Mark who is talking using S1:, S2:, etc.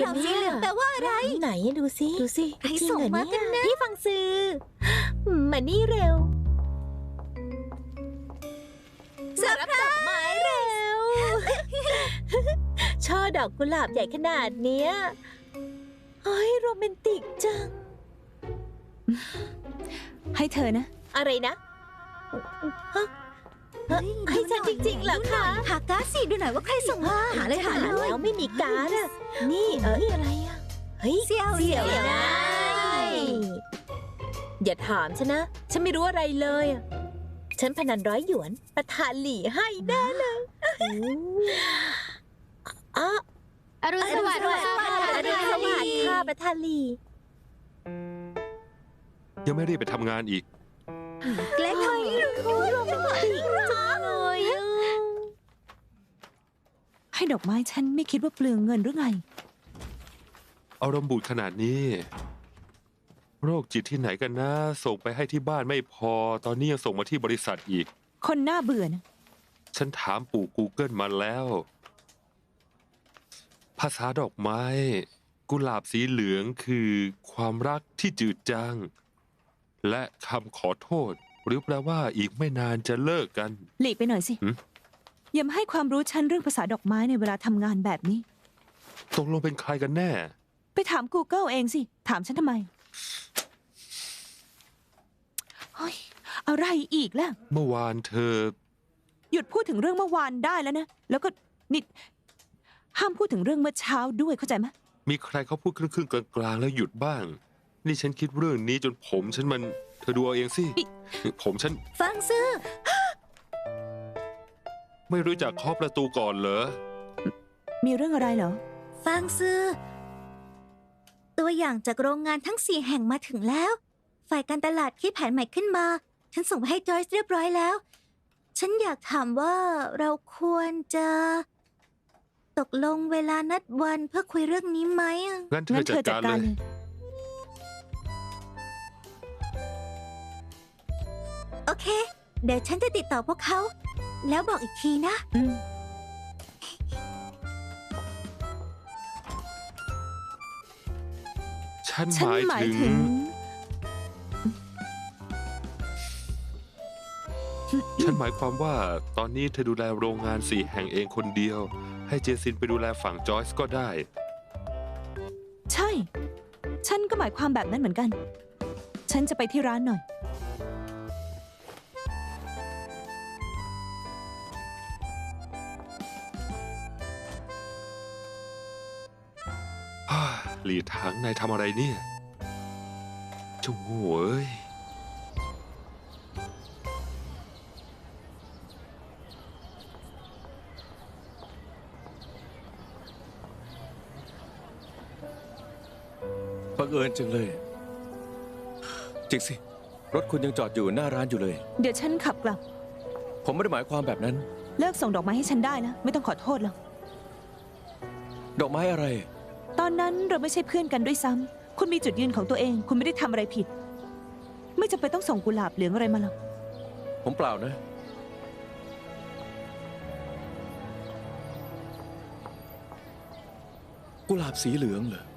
S1: หลาบสีเหลืองแปลว่าอะไร
S2: ไหนดูสิ
S1: ใครส่งมากันนะ
S2: พี่ฟังซื้อมานี่เร็วรับดอกไม้เร็ว ช่อดอกกุหลาบใหญ่ขนาดเนี้ยเฮ้ยโรแมนติกจัง
S3: ให้เธอนะ
S2: อะไรนะฮะให้ฉันจริงๆเหรอคะ
S1: หาการ์ดสิดูหน่อยว่าใครส่งมาหาเลยหาเลย
S2: แล้วไม่มีการ์ดอะนี่นี่อะไรอะเฮ้ย
S1: เสี่ยว
S2: นะอย่าถามฉันนะ ฉันไม่รู้อะไรเลยอะฉันพนัน100 หยวนประธานหลี่ให้แน่เลยอ๋อ
S4: อรุณสวัสดิ์
S2: อรุณสวัสดิ์ค่ะประธานหลี่
S5: ยังไม่รีบไปทำงานอีก
S1: เกล็ดไทย
S2: โรแมนติกจังเลยอะ
S3: ให้ดอกไม้ฉันไม่คิดว่าเปลืองเงินหรือไง
S5: อารมณ์บูดขนาดนี้ โรคจิตที่ไหนกันนะ ส่งไปให้ที่บ้านไม่พอ ตอนนี้ยังส่งมาที่บริษัทอีก
S3: คนน่าเบื่อนะ
S5: ฉันถามปู่ Google มาแล้ว ภาษาดอกไม้ กุหลาบสีเหลืองคือความรักที่จืดจาง และคำขอโทษ หรือแปลว่าอีกไม่นานจะเลิกกัน
S3: หลีกไปหน่อยสิ
S5: หืม
S3: อย่ามาให้ความรู้ฉันเรื่องภาษาดอกไม้ในเวลาทำงานแบบนี้
S5: ตกลงเป็นใครกันแน่
S3: ไปถาม Google เองสิ ถามฉันทำไมเฮ้ยอะไรอีกล่ะ
S5: เมื่อวานเธอ
S3: หยุดพูดถึงเรื่องเมื่อวานได้แล้วนะ แล้วก็นี่ห้ามพูดถึงเรื่องเมื่อเช้าด้วยเข้าใจไหม
S5: มีใครเขาพูดครึ่งๆกลางๆแล้วหยุดบ้าง นี่ฉันคิดเรื่องนี้จนผมฉันมัน เธอดูเอาเองสิ ผมฉัน
S1: ฟังซื้อ
S5: ไม่รู้จักเคาะประตูก่อนเหรอ
S3: มีเรื่องอะไรเหรอ
S1: ฟังซื้อ ตัวอย่างจากโรงงานทั้ง4 แห่งมาถึงแล้ว ฝ่ายการตลาดคิดแผนใหม่ขึ้นมา ฉันส่งไปให้จอยส์เรียบร้อยแล้ว ฉันอยากถามว่าเราควรจะ ตกลงเวลานัดวันเพื่อคุยเรื่องนี้ไหมอะ
S5: งั้นเธ
S3: งั้
S5: อน
S3: เธ
S5: จั
S3: อ
S5: ด
S3: จัด
S5: การ
S3: การ
S5: เล
S3: เลย ย
S1: โอเค เดี๋ยวฉันจะติดต่อพวกเขา แล้วบอกอีกทีนะ
S3: อืม
S5: ฉัน
S3: ฉัน
S5: ห
S3: ห
S5: มาม
S3: าย ย
S5: ถึง
S3: ถึง
S5: ฉันหมายความว่าตอนนี้เธอดูแลโรงงาน4 แห่งเองคนเดียว ให้เจซินไปดูแลฝั่งจอยส์ก็ได้
S3: ใช่ ฉันก็หมายความแบบนั้นเหมือนกัน ฉันจะไปที่ร้านหน่อย
S5: หลีถังนายทำอะไรเนี่ยเจ้าโง่เอ้ย
S6: บังเอิญจังเลย จริงสิ รถคุณยังจอดอยู่หน้าร้านอยู่เลย
S3: เดี๋ยวฉันขับกลับ
S6: ผมไม่ได้หมายความแบบนั้น
S3: เลิกส่งดอกไม้ให้ฉันได้แล้วไม่ต้องขอโทษหรอก
S6: ดอกไม้อะไร
S3: ตอนนั้นเราไม่ใช่เพื่อนกันด้วยซ้ำ คุณมีจุดยืนของตัวเอง คุณไม่ได้ทำอะไรผิด ไม่จำเป็นต้องส่งกุหลาบเหลืองอะไรมาหรอก
S6: ผมเปล่านะ กุหลาบสีเหลืองเหรอ